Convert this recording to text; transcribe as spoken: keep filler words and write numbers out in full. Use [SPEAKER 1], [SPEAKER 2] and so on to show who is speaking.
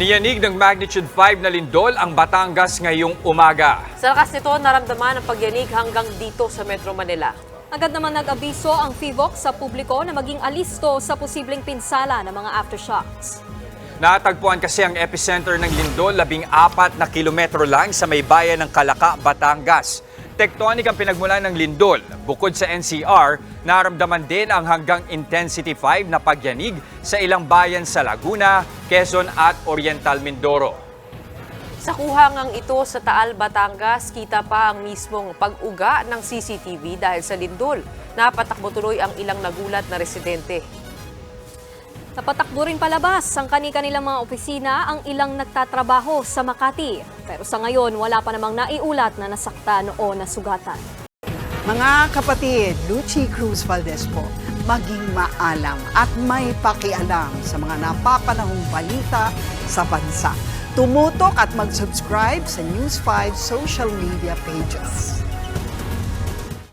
[SPEAKER 1] Niyanig ng magnitude five na lindol ang Batangas ngayong umaga.
[SPEAKER 2] Sa lakas nito, naramdaman ang pagyanig hanggang dito sa Metro Manila.
[SPEAKER 3] Agad naman nag-abiso ang F I V O C sa publiko na maging alisto sa posibleng pinsala ng mga aftershocks.
[SPEAKER 1] Natagpuan kasi ang epicenter ng lindol labing apat na kilometro lang sa may bayan ng Calaca, Batangas. Tectonic ang pinagmulan ng lindol. Bukod sa N C R, naramdaman din ang hanggang intensity five na pagyanig sa ilang bayan sa Laguna, Quezon at Oriental Mindoro.
[SPEAKER 2] Sa kuhangang ito sa Taal, Batangas, kita pa ang mismong pag-uga ng C C T V dahil sa lindol. Napatakbo tuloy ang ilang nagulat na residente.
[SPEAKER 3] Napatakbo rin palabas ang kani-kanilang mga opisina ang ilang nagtatrabaho sa Makati. Pero sa ngayon, wala pa namang naiulat na nasaktan o nasugatan.
[SPEAKER 4] Mga kapatid, Lucy Cruz Valdez po, maging maalam at may pakialam sa mga napapanahong balita sa bansa. Tumutok at mag-subscribe sa News five social media pages.